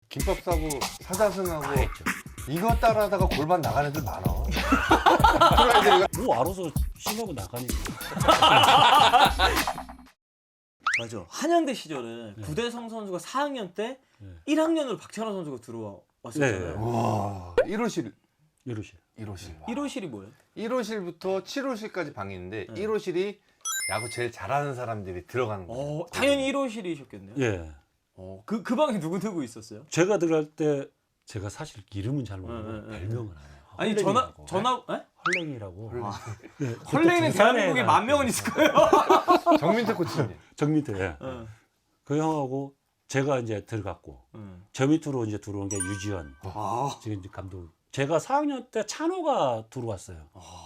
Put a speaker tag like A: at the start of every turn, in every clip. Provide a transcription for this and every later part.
A: 김밥 싸고 사자승하고
B: 다 했죠.
A: 이거 따라하다가 골반 나가는 애들 많아. 그런 애들이
B: 뭐 알아서 심하고 나가니까.
C: 맞아. 한양대 시절에 구대성 선수가 4학년 때 1학년으로 박찬호 선수가 들어왔었잖아요.
B: 네.
A: 와 1호실
B: 이러시.
A: 1호실
C: 1호실이 뭐예요?
A: 1호실부터 7호실까지 방이 있는데 1호실이 야구 제일 잘하는 사람들이 들어가는 거예요.
C: 당연히 1호실이셨겠네요.
B: 예.
C: 그 방에 누구 누구 있었어요?
B: 제가 들어갈 때 제가 사실 이름은 잘 모르고 별명을 알아요.
C: 아니 전화 에?
B: 헐랭이라고. 네,
C: 헐레이는
B: 그때
C: 대한민국에
B: 부산에
C: 10,000명은 있을 거예요.
A: 정민태 코치님.
B: 정민태. 예.
C: 어.
B: 그 형하고 제가 이제 들어갔고 저 밑으로 이제 들어온 게 유지현. 지금 이제 감독. 제가 4학년 때 찬호가 들어왔어요.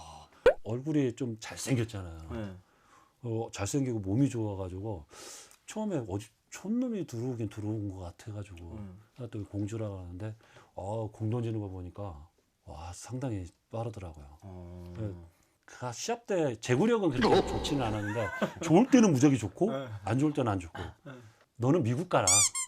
B: 얼굴이 좀 잘생겼잖아요.
C: 네.
B: 잘생기고 몸이 좋아가지고 처음에 어디 촌놈이 들어오긴 들어온 것 같아가지고 또 공주라고 하는데 공 던지는 거 보니까 와 상당히 빠르더라고요. 그 시합 때 제구력은 그렇게 좋지는 않았는데 좋을 때는 무지하게 좋고 안 좋을 때는 안 좋고 너는 미국 가라.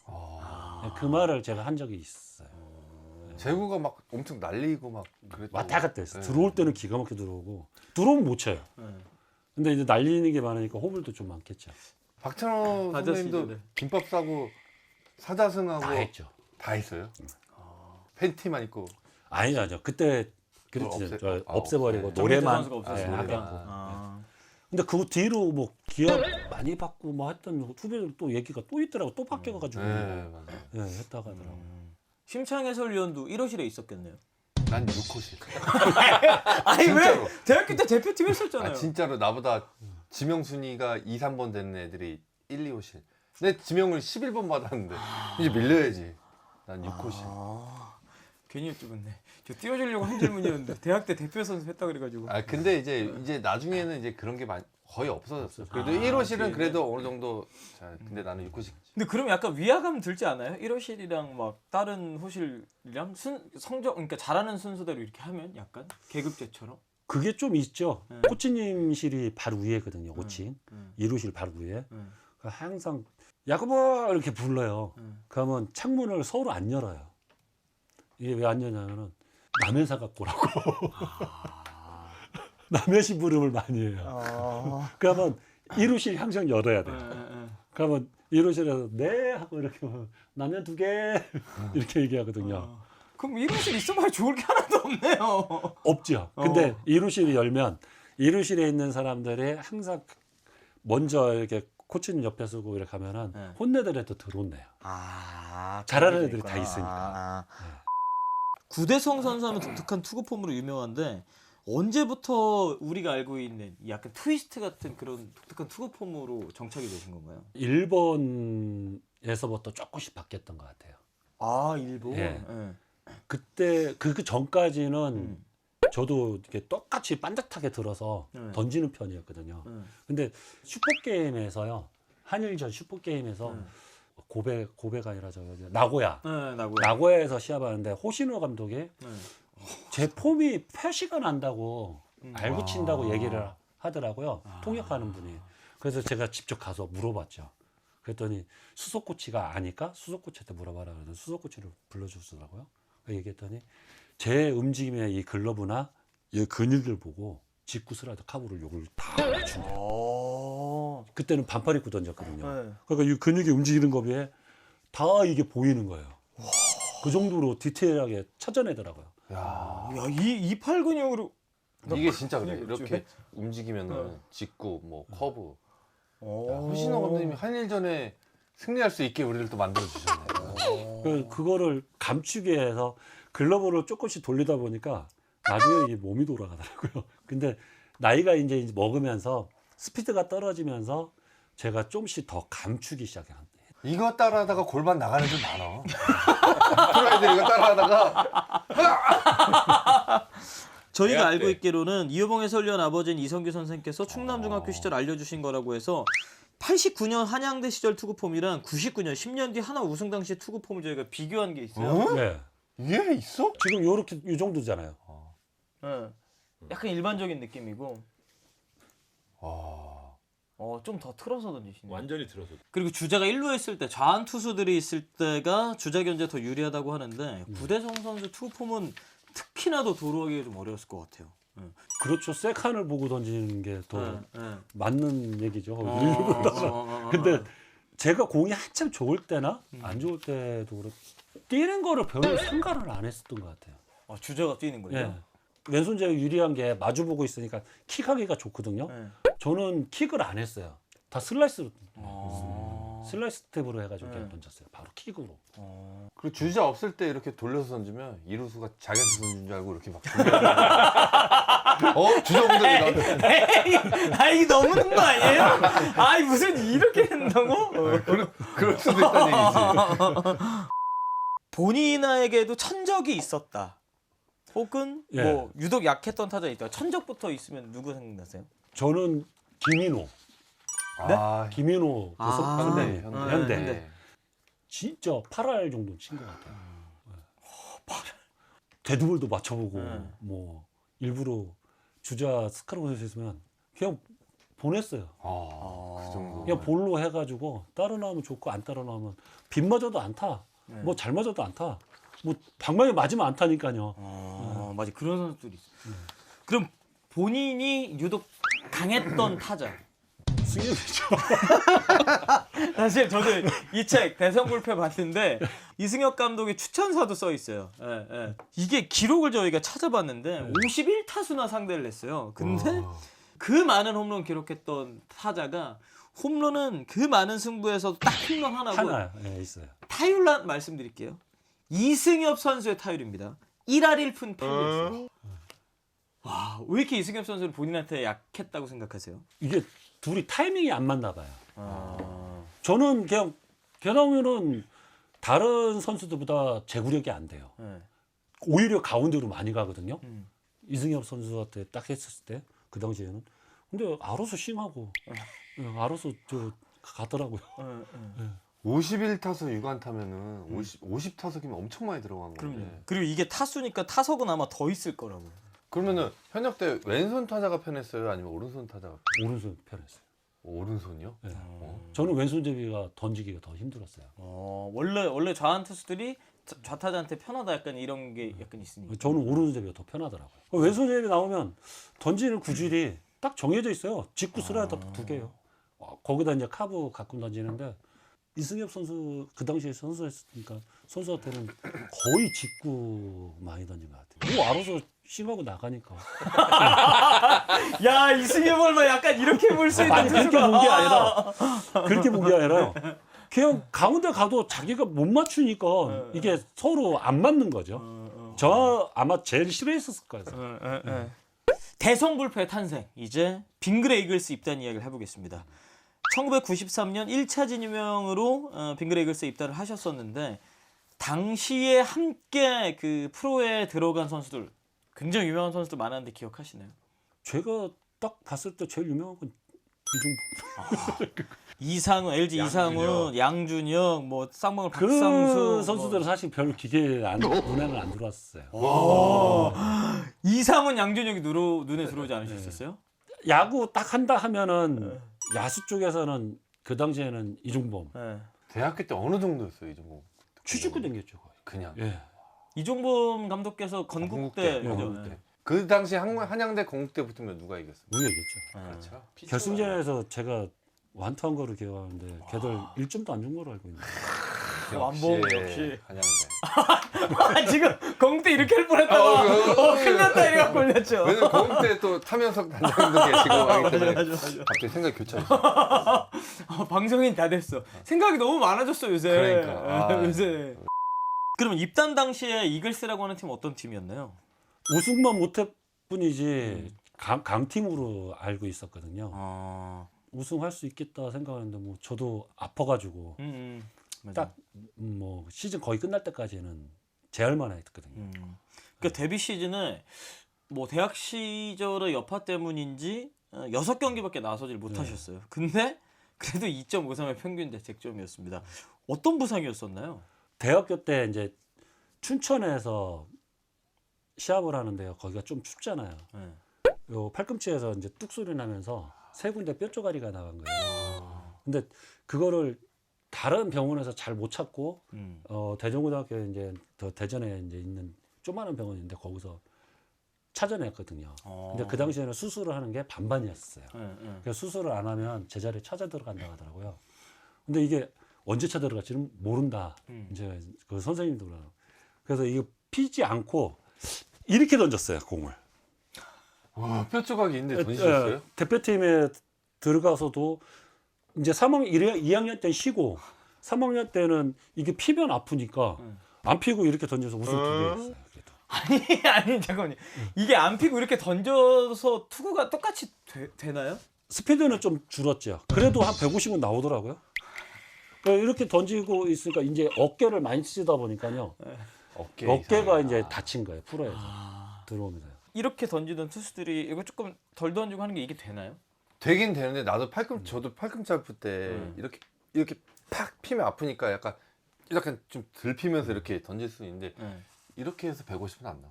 B: 그 말을 제가 한 적이 있어요.
A: 제구가 막 엄청 날리고 막 그랬죠.
B: 왔다 갔다 했어.
A: 네.
B: 들어올 때는 기가 막히게 들어오고 들어오면 못 쳐요.
C: 네.
B: 근데 이제 날리는 게 많으니까 호불도 좀 많겠죠.
A: 박찬호
C: 아저씨들은.
A: 선생님도 김밥 싸고 사자승하고
B: 다 했죠.
A: 다 했어요? 팬티만 입고.
B: 아니죠. 그때 그랬지. 없애버리고
A: 네.
B: 노래만
C: 선수가 없었어요.
B: 예,
A: 노래만.
B: 하고. 근데 그 뒤로 뭐 기합 많이 받고 뭐 했던 후배들 또 얘기가 또 있더라고. 또 바뀌어가지고
A: 네, 맞아요.
B: 예, 했다가 하더라고.
C: 심창 해설위원도 1호실에 있었겠네요.
A: 난 6호실.
C: 아니
A: 진짜로.
C: 왜 대학교 때 대표팀 했었잖아요.
A: 아 진짜로 나보다 지명순위가 2, 3번 되는 애들이 1, 2호실. 내 지명을 11번 받았는데 이제 밀려야지. 난 6호실.
C: 괜히 여쭤봤네. 저 띄워주려고 한 질문이었는데 대학 때 대표 선수 했다 그래가지고.
A: 아 근데 이제 나중에는 이제 그런 게 거의 없어졌어. 그래도 1호실은 그래도 어느 정도 잘. 근데 나는 6호실.
C: 근데 그럼 약간 위화감 들지 않아요? 1호실이랑 막 다른 호실이랑 성적 그러니까 잘하는 순서대로 이렇게 하면 약간 계급제처럼.
B: 그게 좀 있죠. 코치님실이 바로 위에거든요. 5층. 1호실 바로 위에. 그러니까 항상 야구부 이렇게 불러요. 그러면 창문을 서로 안 열어요. 이게 왜 안 열냐면은 남의 사갖 고라고. 남의 심부름을 많이 해요. 그러면 1호실 항상 열어야 돼요. 그러면 1호실에서 네 하고 이렇게 하면 라면 2개 이렇게 얘기하거든요.
C: 그럼 1호실 있어봐야 좋을 게 하나도 없네요.
B: 없죠. 근데 1호실이 열면 1호실에 있는 사람들이 항상 먼저 이렇게 코치님 옆에 서고 이렇게 하면은 혼내더라도 들어온대요. 잘하는 애들이 다 있으니까.
C: 구대성 선수하면 독특한 투구 폼으로 유명한데 언제부터 우리가 알고 있는 이 약간 트위스트 같은 그런 독특한 투구 폼으로 정착이 되신 건가요?
B: 일본에서부터 조금씩 바뀌었던 것 같아요.
C: 아 일본.
B: 예. 그때 그 전까지는 저도 이렇게 똑같이 반듯하게 들어서 던지는 편이었거든요. 근데 슈퍼게임에서요. 한일전 슈퍼게임에서 고베가 아니라 나고야. 나고야에서 시합하는데 호시노 감독이 제 폼이 표시가 난다고 알고 친다고 얘기를 하더라고요. 통역하는 분이. 그래서 제가 직접 가서 물어봤죠. 그랬더니 수석 코치가 아니까 수석 코치한테 물어봐라 그래서 수석 코치를 불러주더라고요. 얘기했더니 제 움직임의 이 글러브나 이 근육을 보고 직구 스라이더 카브를 욕을 다 맞춘대요. 그때는 반팔 입고 던졌거든요. 그러니까 이 근육이 움직이는 거 비해 다 이게 보이는 거예요. 그 정도로 디테일하게 찾아내더라고요.
A: 야,
C: 이팔 근육으로
A: 이게 진짜 그래. 이렇게 움직이면은 직구, 뭐 커브. 야, 호시노 감독님이 한일전에 승리할 수 있게 우리를 또 만들어 주셨네.
B: 그거를 감추기 위해서 글러브를 조금씩 돌리다 보니까 나중에 이게 몸이 돌아가더라고요. 근데 나이가 이제 먹으면서 스피드가 떨어지면서 제가 조금씩 더 감추기 시작해요.
A: 이거 따라하다가 골반 나가는 애들 많아. 프로 애들 이거 따라하다가
C: 저희가 알고 있기로는 이효봉 해설위원 아버지인 이성규 선생께서 충남중학교 시절 알려주신 거라고 해서 89년 한양대 시절 투구폼이랑 99년 10년 뒤 하나 우승 당시 투구폼을 저희가 비교한 게 있어요.
B: 네.
A: 이게 있어?
B: 지금 요렇게 이 정도잖아요.
C: 약간 일반적인 느낌이고. 좀 더 틀어서 던지시네요.
B: 완전히 들어서.
C: 그리고 주자가 1루에 있을 때 좌한 투수들이 있을 때가 주자 견제 더 유리하다고 하는데 구대성 선수 투구폼은 특히나 더 도루하기가 좀 어려웠을 것 같아요.
B: 그렇죠. 세칸을 보고 던지는 게 더 맞는 얘기죠.
C: 어.
B: 근데 제가 공이 한참 좋을 때나 안 좋을 때도 그렇고 뛰는 거를 별로 생각을 안 했었던 것 같아요.
C: 주자가 뛰는 거예요?
B: 예. 왼손잡이 유리한 게 마주 보고 있으니까 킥하기가 좋거든요.
C: 네.
B: 저는 킥을 안 했어요. 다 슬라이스로 슬라이스 스텝으로 해가지고 그냥
C: 네.
B: 던졌어요. 바로 킥으로.
A: 그리고 주자 없을 때 이렇게 돌려서 던지면 이루수가 자기한테 던진 줄 알고 이렇게 막 주자 없는데 나한테
C: 아이 너무는 거 아니에요? 아이 무슨 이렇게 된다고?
A: 그럴 수도 있다는 얘기지.
C: 본인에게도 천적이 있었다. 혹은
B: 예.
C: 뭐 유독 약했던 타자 있다. 천적부터 있으면 누구 생각나세요?
B: 저는 김인호. 김인호
A: 현대.
B: 현대. 진짜 8할 정도 친 것 같아요. 8할. 데드볼도 맞춰보고 뭐 일부러 주자 스카르보에서 있으면 그냥 보냈어요.
A: 그 정도.
B: 그냥 볼로 해가지고 따로 나오면 좋고 안 따로 나오면 빗 맞아도 안 타. 뭐 잘 맞아도 안 타. 뭐 방망이 맞으면 안 타니까요.
C: 맞아 그런 선수들이 있어. 그럼 본인이 유독 강했던 타자.
B: 승엽이죠.
C: 사실 저도 이 책 대성불패 봤는데 이승엽 감독의 추천사도 써 있어요. 예. 이게 기록을 저희가 찾아봤는데 51타수나 상대를 했어요. 근데 그 많은 홈런 기록했던 타자가 홈런은 그 많은 승부에서 딱 홈런 하나고
B: 하나 있어요.
C: 타율란 말씀드릴게요. 이승엽 선수의 타율입니다. 1할 1푼 8리였어요. 와, 왜 이렇게 이승엽 선수는 본인한테 약했다고 생각하세요?
B: 이게 둘이 타이밍이 안 맞나 봐요. 저는 그냥 걔나오면은 다른 선수들보다 제구력이 안 돼요. 오히려 가운데로 많이 가거든요. 이승엽 선수한테 딱 했을 때 그 당시에는. 근데 알아서 싱하고 알아서 저 가더라고요.
A: 51타석 6안타면은 50타석이면 엄청 많이 들어간 건데.
C: 그럼요. 그리고 이게 타수니까 타석은 아마 더 있을 거라고.
A: 그러면은 현역 때 왼손 타자가 편했어요? 아니면 오른손 타자가
B: 오른손 편했어요.
A: 오른손이요?
B: 네. 저는 왼손잡이가 던지기가 더 힘들었어요.
C: 원래 좌한 투수들이 좌타자한테 편하다 약간 이런 게 약간 있으니까.
B: 저는 오른손잡이가 더 편하더라고요. 왼손잡이 나오면 던지는 구질이 딱 정해져 있어요. 직구 슬라이더 2개요. 거기다 이제 카브 가끔 던지는데 이승엽 선수 그 당시에 선수였으니까 선수한테는 거의 직구 많이 던진 것 같아요. 뭐 알아서 싱하고 나가니까.
C: 야 이승엽 얼마 약간 이렇게 볼 수 있는
B: 아니 그렇게 본 게 아니라 그렇게 본 게 아니라 그냥 가운데 가도 자기가 못 맞추니까 이게 서로 안 맞는 거죠. 저 아마 제일 싫어했었을 거예요.
C: 대성불패 탄생. 이제 빙그레 이글스 입단 이야기를 해보겠습니다. 1993년 1차 진유명으로 빙그레 이글스에 입단을 하셨었는데 당시에 함께 그 프로에 들어간 선수들 굉장히 유명한 선수들 많았는데 기억하시나요?
B: 제가 딱 봤을 때 제일 유명한 건 이종범.
C: 이상훈, LG 이상훈, 양준혁, 뭐 쌍방울
B: 그
C: 박상수
B: 선수들은 사실 별 기대에 눈에는 안 들어왔어요.
C: 이상훈, 양준혁이 눈에 들어오지 않으셨었어요?
B: 야구 딱 한다 하면은 야수 쪽에서는 그 당시에는 이종범
C: 네.
A: 대학교 때 어느 정도였어요, 이종범?
B: 취직구 댕겼죠 거의.
A: 그냥.
B: 예.
C: 이종범 감독께서 건국대
A: 건국대. 그 당시 한양대 건국대 붙으면 누가 이겼어요?
B: 우리가 이겼죠.
A: 그렇죠.
B: 결승전에서 제가 완투한 거를 기억하는데 걔들 1점도 안 준 걸로 알고 있는데.
C: 완봉 역시.
A: 한양대.
C: 지금 건국대 이렇게 할 뻔했다가 큰일 났다 이래가 걸렸죠.
A: 왜냐면 건국대 또 타면석 단장도 계시고 하기 때문에 갑자기 생각이 교차했어.
C: 방송인 다 됐어. 생각이 너무 많아졌어 요새.
A: 그러니까.
C: 요새. 그러면 입단 당시에 이글스라고 하는 팀 어떤 팀이었나요?
B: 우승만 못할 뿐이지 강팀으로 알고 있었거든요. 우승할 수 있겠다 생각하는데 뭐 저도 아파가지고 딱 뭐 시즌 거의 끝날 때까지는 제할만 했거든요.
C: 그러니까 데뷔 시즌에 뭐 대학 시절의 여파 때문인지 6경기밖에 나서질 못하셨어요. 근데 그래도 2.53의 평균 자책점이었습니다. 어떤 부상이었었나요?
B: 대학교 때 이제 춘천에서 시합을 하는데요. 거기가 좀 춥잖아요. 요 팔꿈치에서 이제 뚝 소리 나면서 3군데 뼈 쪼가리가 나간 거예요. 근데 그거를 다른 병원에서 잘 못 찾고 대전고등학교 이제 더 대전에 이제 있는 조그마한 병원인데 거기서 찾아냈거든요. 근데 그 당시에는 수술을 하는 게 반반이었어요. 그래서 수술을 안 하면 제자리에 찾아 들어간다고 하더라고요. 근데 이게 언제 찾아 들어갈지는 모른다. 이제 그 선생님도 그러고. 그래서 이거 피지 않고 이렇게 던졌어요, 공을.
A: 와, 뼈 조각이 있는데 던지셨어요?
B: 대표팀에 들어가서도 이제 2학년 때 쉬고 3학년 때는 이게 피면 아프니까 안 피고 이렇게 던져서 우승 2개 했어요. 그래도.
C: 아니 잠깐만요. 이게 안 피고 이렇게 던져서 투구가 똑같이 되나요?
B: 스피드는 좀 줄었죠. 그래도 한 150은 나오더라고요. 이렇게 던지고 있으니까 이제 어깨를 많이 쓰다 보니까요. 어깨가 이제 다친 거예요. 프로에서 들어오면서.
C: 이렇게 던지던 투수들이 이거 조금 덜 던지고 하는 게 이게 되나요?
A: 되긴 되는데 나도 저도 팔꿈 짧을 때 이렇게 팍 피면 아프니까 약간 좀 덜 피면서 이렇게 던질 수 있는데 이렇게 해서 150은 안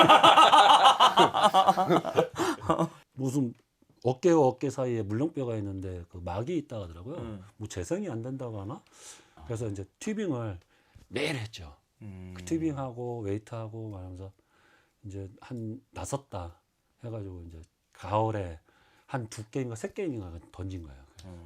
A: 나와.
B: 무슨 어깨와 어깨 사이에 물렁뼈가 있는데 그 막이 있다 하더라고요. 뭐 재생이 안 된다고 하나? 그래서 이제 튜빙을 매일 했죠. 그 튜빙하고 웨이트하고 말하면서 이제 한 5달 해가지고 이제 가을에 한 2게임인가 3게임인가 던진 거예요.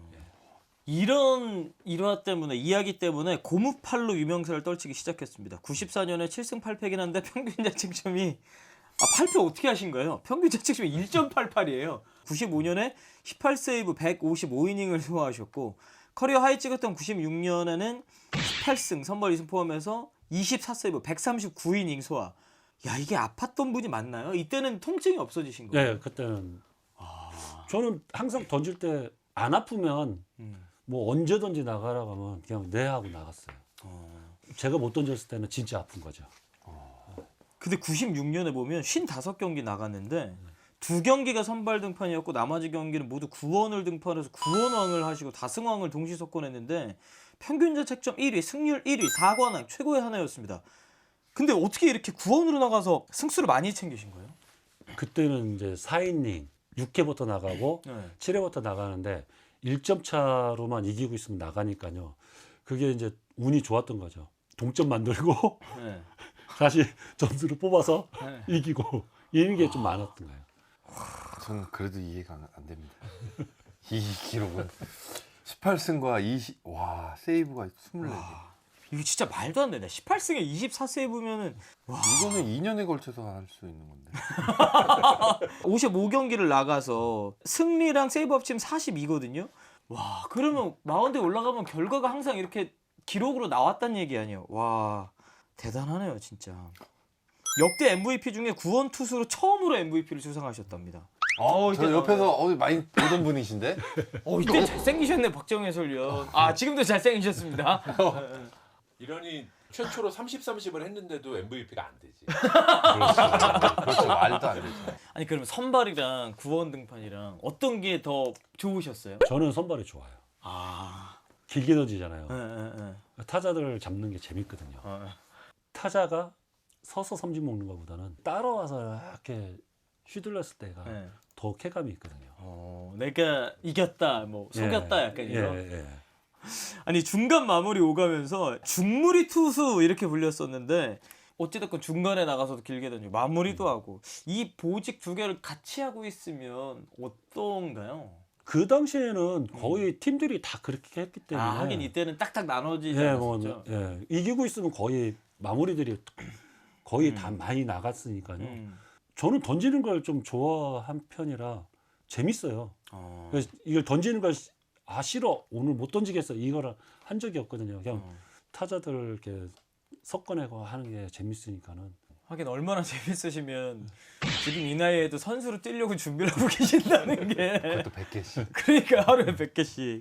C: 이런 일화 때문에 이야기 때문에 고무팔로 유명세를 떨치기 시작했습니다. 94년에 7승 8패긴 한데 평균 자책점이 8패 어떻게 하신 거예요? 평균 자책점이 1.88이에요. 95년에 18세이브 155이닝을 소화하셨고 커리어 하이 찍었던 96년에는 18승 선발 2승 포함해서 24세이브 139이닝 소화. 야, 이게 아팠던 분이 맞나요? 이때는 통증이 없어지신 거예요?
B: 네, 그때는 저는 항상 던질 때 안 아프면 뭐 언제든지 나가라고 하면 그냥 네 하고 나갔어요. 제가 못 던졌을 때는 진짜 아픈 거죠.
C: 근데 96년에 보면 55경기 나갔는데 2경기가 선발 등판이었고 나머지 경기는 모두 구원을 등판해서 구원왕을 하시고 다승왕을 동시 석권했는데 평균 자책점 1위, 승률 1위, 4관왕 최고의 하나였습니다. 근데 어떻게 이렇게 구원으로 나가서 승수를 많이 챙기신 거예요?
B: 그때는 이제 4이닝 6회부터 나가고 7회부터 나가는데 1점 차로만 이기고 있으면 나가니까요. 그게 이제 운이 좋았던 거죠. 동점 만들고 다시 점수를 뽑아서 이기고 이런 게 좀 많았던 거예요.
A: 저는 그래도 이해가 안 됩니다. 이 기록은 18승과 세이브가 24개.
C: 이거 진짜 말도 안 되네. 18승에 24세이브면은
A: 이거는 2년에 걸쳐서 할 수 있는 건데.
C: 55경기를 나가서 승리랑 세이브 합치면 42거든요. 와, 그러면 마운드에 올라가면 결과가 항상 이렇게 기록으로 나왔다는 얘기 아니에요. 와, 대단하네요, 진짜. 역대 MVP 중에 구원 투수로 처음으로 MVP를 수상하셨답니다.
A: 저 옆에서 많이 보던 분이신데?
C: 이때 잘생기셨네, 박정희 해설위원. 지금도 잘생기셨습니다.
D: 이러니 최초로 30-30을 했는데도 MVP가 안 되지.
A: 그렇죠. 말도 안 되죠.
C: 아니, 그러면 선발이랑 구원 등판이랑 어떤 게 더 좋으셨어요?
B: 저는 선발이 좋아요. 길게 던지잖아요. 타자들을 잡는 게 재밌거든요. 타자가 서서 삼진 먹는 것보다는 따라와서 이렇게 휘둘렀을 때가 더 쾌감이 있거든요.
C: 내가 이겼다, 뭐 속였다, 약간 이런.
B: 예.
C: 아니, 중간 마무리 오가면서 중무리 투수 이렇게 불렸었는데 어찌됐건 중간에 나가서도 길게 던지고 마무리도 하고 이 보직 2개를 같이 하고 있으면 어떤가요?
B: 그 당시에는 거의 팀들이 다 그렇게 했기 때문에
C: 하긴 이때는 딱딱 나눠지지 않았었죠.
B: 이기고 있으면 거의 마무리들이 거의 다 많이 나갔으니까요. 저는 던지는 걸 좀 좋아한 편이라 재밌어요. 그래서 이걸 던지는 걸 싫어, 오늘 못 던지겠어, 이거를 한 적이 없거든요. 그냥 타자들 이렇게 섞어내고 하는 게 재밌으니까는.
C: 하긴 얼마나 재밌으시면 지금 이 나이에도 선수로 뛰려고 준비를 하고 계신다는 게.
A: 그것도 100개씩.
C: 그러니까 하루에 100개씩.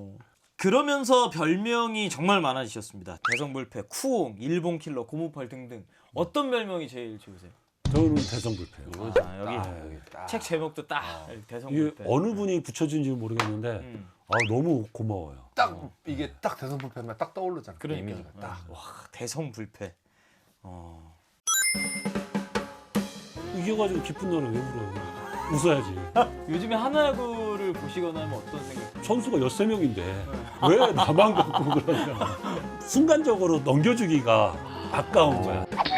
C: 그러면서 별명이 정말 많아지셨습니다. 대성불패, 쿠옹, 일본킬러, 고무팔 등등. 어떤 별명이 제일 좋으세요?
B: 저는 대성불패요.
C: 여기 책 제목도 딱
B: 이게
C: 대성불패.
B: 어느 분이 붙여준지 모르겠는데 너무 고마워요.
A: 이게 딱 대성불패만 딱 떠오르잖아.
C: 그러니까.
A: 이미지가 딱.
C: 와, 대성불패.
B: 이겨가지고 기쁜 노래 왜 불러요? 웃어야지.
C: 요즘에 하나야구를 보시거나 하면 어떤 생각?
B: 선수가 13명인데 왜 나만 갖고 그러냐. 순간적으로 넘겨주기가 아까운 거야.